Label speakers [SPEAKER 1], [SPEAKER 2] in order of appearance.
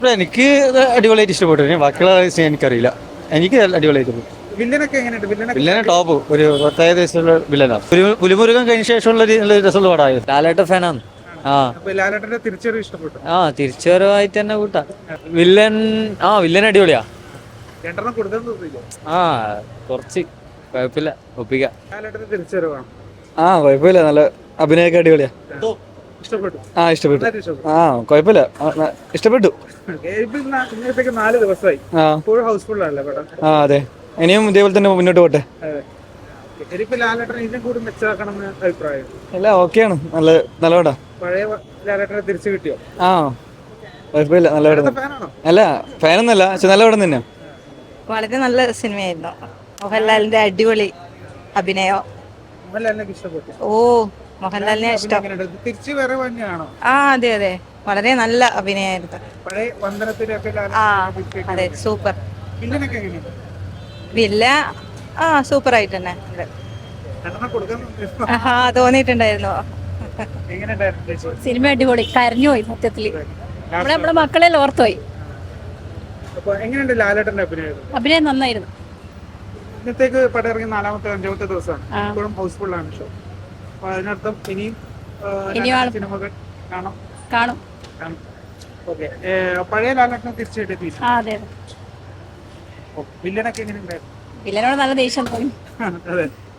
[SPEAKER 1] എനിക്ക് അടിപൊളിയായിട്ട് ഇഷ്ടപ്പെട്ടു. ബാക്കിയുള്ള എനിക്കറിയില്ല. എനിക്ക് അടിപൊളിയായിട്ട് പോയി.
[SPEAKER 2] വില്ലനൊക്കെ എങ്ങനെയുണ്ട്?
[SPEAKER 1] വില്ലനെ ടോപ്പ് ഒരു പ്രത്യേക ദിവസമുള്ള വില്ലനാണ്. പുലിമുരുകൻ കഴിഞ്ഞ ശേഷമുള്ള ഒരു രസമുള്ള പടമായിരുന്നു. ലാലേട്ട ഫാനാണ്. ആ
[SPEAKER 2] ലാലേട്ടന്റെ തിരിച്ചറിവ് ഇഷ്ടപ്പെട്ടു.
[SPEAKER 1] തിരിച്ചുവരവായിട്ട് തന്നെ കൂട്ടാ. വില്ലൻ വില്ലൻ അടിപൊളിയാ.
[SPEAKER 2] രണ്ടെണ്ണം കൊടുത്തെന്ന് തോന്നിയില്ലേ?
[SPEAKER 1] കുറച്ച് കുഴപ്പമില്ല, ഒപ്പിക്കാം.
[SPEAKER 2] ലാലേട്ടന്റെ തിരിച്ചറിവാണ്.
[SPEAKER 1] കുഴപ്പമില്ല, നല്ല അഭിനയൊക്കെ അടിപൊളിയാ.
[SPEAKER 2] ഇഷ്ടപ്പെട്ടു.
[SPEAKER 1] ഇഷ്ടപ്പെട്ടു.
[SPEAKER 2] നന്നായിട്ട് ഇഷ്ടപ്പെട്ടു.
[SPEAKER 1] കുഴപ്പമില്ല, ഇഷ്ടപ്പെട്ടു.
[SPEAKER 2] ഇപ്പൊ ഇന്നത്തേക്ക് 4 ദിവസമായി. ഇപ്പോഴും ഹൗസ്ഫുൾ ആണല്ലേ പടം?
[SPEAKER 1] അതെ, ഇനിയും ഇതേപോലെ തന്നെ മുന്നോട്ട് പോട്ടെ.
[SPEAKER 2] ഇനിയിപ്പോ ലാലേട്ടനെ ഇതിനും കൂടി മെച്ചമാക്കണം എന്ന് അഭിപ്രായം.
[SPEAKER 1] അല്ല, ഓക്കെയാണ്, നല്ല പടാ.
[SPEAKER 2] പഴയ ലാലേട്ടനെ തിരിച്ചു കിട്ടിയോ?
[SPEAKER 1] കുഴപ്പമില്ല, നല്ല പടം.
[SPEAKER 2] ഫാനാണോ?
[SPEAKER 1] അല്ല, ഫാനൊന്നല്ല, പക്ഷെ നല്ല പടം തന്നെ.
[SPEAKER 3] വളരെ നല്ല സിനിമയായിരുന്നു. മോഹൻലാലിന്റെ അടിപൊളി അഭിനയം.
[SPEAKER 2] മോഹൻലാലിനെ ഇഷ്ടപ്പെട്ടു.
[SPEAKER 3] മോഹൻലാലിനെ ഇഷ്ടം.
[SPEAKER 2] തിരിച്ചു വരവ് തന്നെയാണോ?
[SPEAKER 3] അതെ, വളരെ നല്ല അഭിനയായിരുന്നു.
[SPEAKER 2] പഴയ വന്ദനത്തിലൊക്കെ
[SPEAKER 3] അതെ, സൂപ്പർ.
[SPEAKER 2] വില്ലനൊക്കെ എങ്ങനെയുണ്ട്?
[SPEAKER 3] വില്ല സൂപ്പർ ആയിട്ട് തന്നെ ഉണ്ട്.
[SPEAKER 2] രണ്ടെണ്ണം കൊടുക്കാൻ
[SPEAKER 3] തോന്നിയിട്ടുണ്ടായിരുന്നു.
[SPEAKER 2] എങ്ങനെയുണ്ടായിരുന്നു?
[SPEAKER 4] സിനിമ അടിപൊളി, കരഞ്ഞുപോയി സത്യത്തില്. നമ്മുടെ മക്കളെ ഓർത്തുപോയി.
[SPEAKER 2] അപ്പൊ എങ്ങനെയുണ്ട് ലാലേട്ടന്റെ
[SPEAKER 4] അഭിനയം? നന്നായിരുന്നു.
[SPEAKER 2] ഇന്നത്തേക്ക് പടം ഇറങ്ങി 4ാമത്തെ 5ാമത്തെ ദിവസമാണ്. ഇപ്പോഴും ഹൗസ്ഫുൾ ആണ് ഷോ. അപ്പൊ അതിനർത്ഥം ഇനിയും സിനിമകൾ കാണും. ഓക്കെ, പഴയ ലാലേട്ടനെ തിരിച്ചു കിട്ടിയില്ല.
[SPEAKER 4] അതെ.
[SPEAKER 2] വില്ലനൊക്കെ എങ്ങനെയുണ്ടായിരുന്നു?
[SPEAKER 4] വില്ലനോട് നല്ല ദേഷ്യം തോന്നി.
[SPEAKER 2] അതെ.